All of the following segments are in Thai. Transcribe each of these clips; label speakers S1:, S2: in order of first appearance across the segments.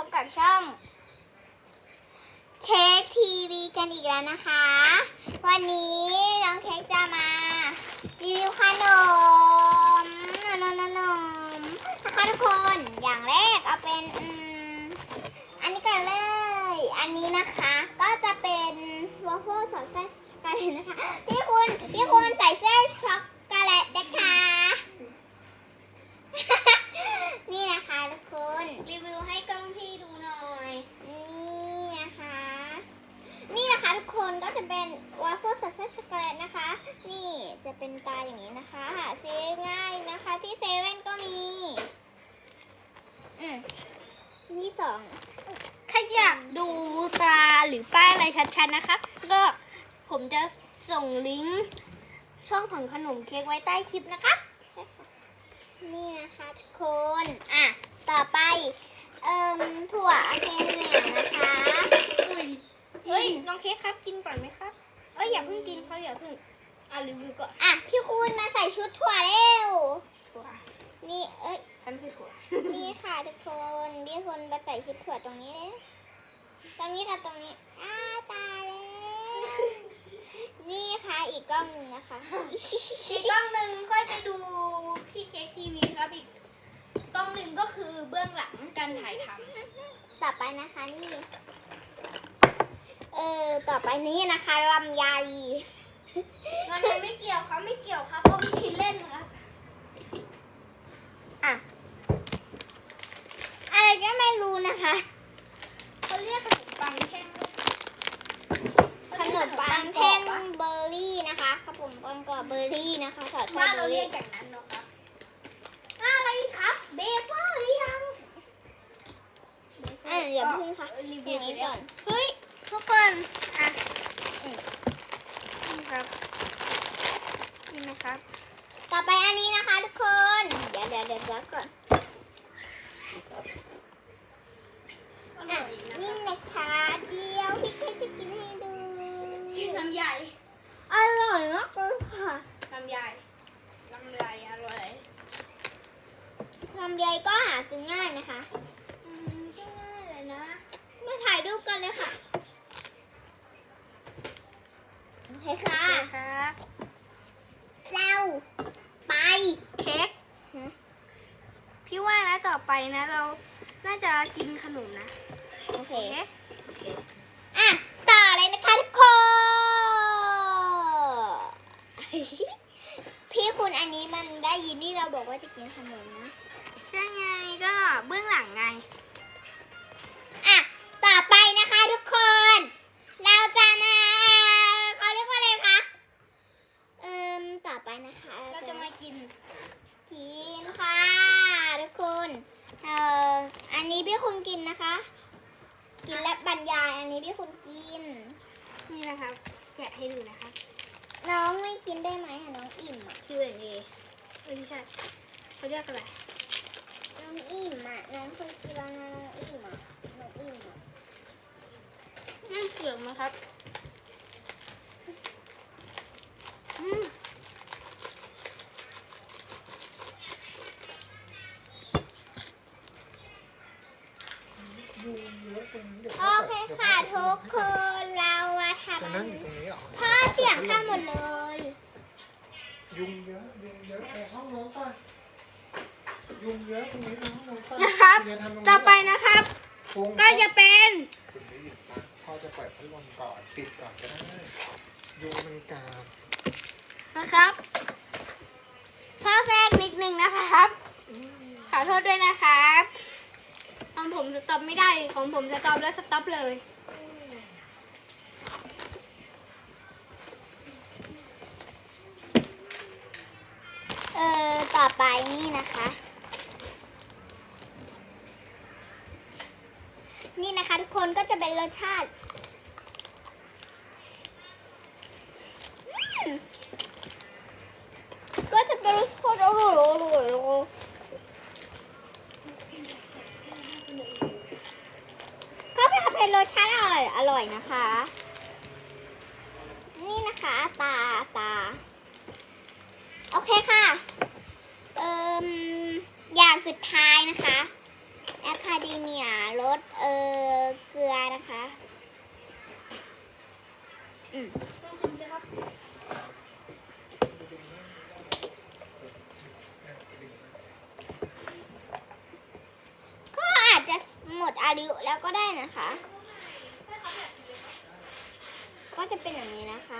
S1: บกับช่องเค้กทีวีกันอีกแล้วนะคะ วันนี้น้องเค้กจะมารีวิวขนมนะคะทุกคนอย่างแรกเอาเป็นอันนี้กันเลย อันนี้นะคะก็จะเป็นวอฟเฟิลสอดไส้ช็อกโกแลตนะคะพี่คุณใส่เส้นช็อกโกแลตนะคะนี่นะคะทุกคนรีวิวให้กล้องพี่ดูหน่อยนี่นะคะทุกคนก็จะเป็นวาฟเฟิลสอดไส้ช็อกโกแลตนะคะนี่จะเป็นตาอย่างนี้นะคะหาซื้อง่ายนะคะที่เซเว่นก็มีนี่สอง
S2: ถ้าอยากดูตราหรือป้ายอะไรชัดๆนะคะก็ผมจะส่งลิงก์ช่องของขนมเค้กไว้ใต้คลิปนะคะ
S1: นี่นะคะทุกคนต่อไปถั่วเคนเหนียวนะคะ
S2: เฮ้ยน้องเค้กครับกินก่อนไหมครับอย่าเพิ่งกินเขาอย่าเพิ่งรีวิวก่อน
S1: พี่คุณมาใส่ชุดถั่วเร็วนี่
S2: ฉันคือถั่ว
S1: นี่ค่ะทุกคนพี่คุณมาใส่ชุดถั่วตรงนี้เลยตรงนี้ตรงนี้ตายแล้วนี่ค่ะอีกกล้องนึงนะคะ
S2: อีกกล้องหนึ่งค่อยไปดูพี่เค้กทีวีครับอีกกล้องหนึ่งก็คือเบื้องหลังการถ่ายทำ
S1: ต่อไปนะคะนี่ต่อไปนี้นะคะลำไย
S2: มันไม่เกี่ยวครับไม่เกี่ยวครับเพราะพี่เล่นครับ
S1: อะไรก็ไม่รู้นะคะ
S2: เขาเรียกขนมปังแท่ง
S1: ขนมปังแท่งเบอร์รี่นะคะครับผมปังกรอบเบอร์รี่นะคะสอดไส้
S2: เราเรียกอย่างนั้นเนาะครับอะไรครับเบเฟอร์หรือยัง
S1: เดี๋ยวพึ่งค่ะ
S2: รีวิว
S1: นี้ก่อน
S2: เฮ้ยทุกคนนี่ครับนี่นะครับ
S1: ต่อไปอันนี้นะคะทุกคนเดี๋ยวก่อนนี่นะคะเดี๋ยวพี่เค้กจะกินให้ดู
S2: ลำใหญ่
S1: อร่อยมากเลยค่ะ
S2: ลำใหญ่อร่อย
S1: ลำไยก็หาซื้อง่ายนะคะ
S2: ง่ายเลยนะ
S1: มาถ่ายรูปกันเลยค่ะโอเคค่ะเราไป
S2: เค้กพี่ว่านะต่อไปนะเราน่าจะกินขนมนะ
S1: โอเคต่อเลยนะคะทุกคนพี่คุณอันนี้มันได้ยินที่เราบอกว่าจะกินขนมนะ
S2: ใช่ไงก็เบื้องหลังไง
S1: ต่อไปนะคะทุกคนเราจะมาเขาเรียกว่าอะไรคะต่อไปนะคะ
S2: เราจะมากิน
S1: ค่ะทุกคนอันนี้พี่คุณกินนะคะกินและบรรยายอันนี้พี่คุณกิน
S2: นี่นะครับแกะให้ดูนะคะ
S1: น้องไม่กินได้ไหมน้องอิ่ม
S2: Q&A ไม่ใช่เขาเรียกอะไร
S1: น้องอิ่มน้องเคยกินแล้วนะน้องอิ่ม
S2: นี่เสียงนะครับ
S1: โอเคค่ะทุกคนเรามาทำพ่อเสียงข้ามหมดเลย
S3: ยุงเยอะแอบห้องน้องก่อนยุงเยอะตรงนี้ห้องน้องก่อน
S2: นะครับต่อไปนะครับก็จะเป็น
S3: พ่อจะเปิดพัดลมก่อนปิดก่อนก็ได้ยุงมันกัด
S2: นะครับพ่อแทรกนิดนึงนะครับขอโทษด้วยนะครับของผมสต็อปไม่ได้ของผมสต็อปแล้วสต็อปเลย
S1: ต่อไปนี่นะคะนี่นะคะทุกคนก็จะเป็นรสชาติก็จะเป็นรสชาติอร่อยก็เป็นรสชาติอร่อยนะคะนี่นะคะตาโอเคค่ะอย่างสุดท้ายนะคะแอคาเดเมียรส
S2: ลองชิมสิครับ
S1: ก็อาจจะหมดอายุแล้วก็ได้นะคะ ก็จะเป็นอย่างนี้นะคะ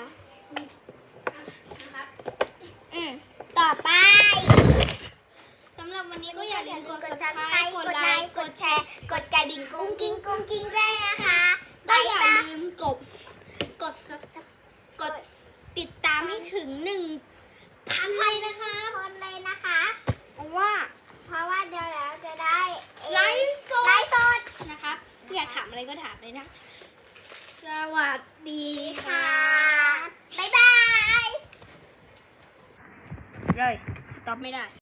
S2: นะครับ
S1: ต่อไป
S2: สำหรับวันนี้ก็อย่าลืมกด
S1: subscribe
S2: subscribe กดไลค์ กดแชร์
S1: กดกระดิ่งกุ้งกิ้งด้วยนะคะ
S2: ก็อย่าลืมกดติดตามให้ถึง 1,000 ไลค์นะคะ
S1: คนเลยนะคะ
S2: เพราะว่า
S1: เพราะว่าเดี๋ยวเราจะได้
S2: ไลฟ์ส
S1: ไล
S2: ด
S1: ฟ์สด
S2: นะครับ อยากถามอะไรก็ถามเลยนะ สวัสดีค่ะ
S1: บ๊ายบาย
S2: เลยตอบไม่ได้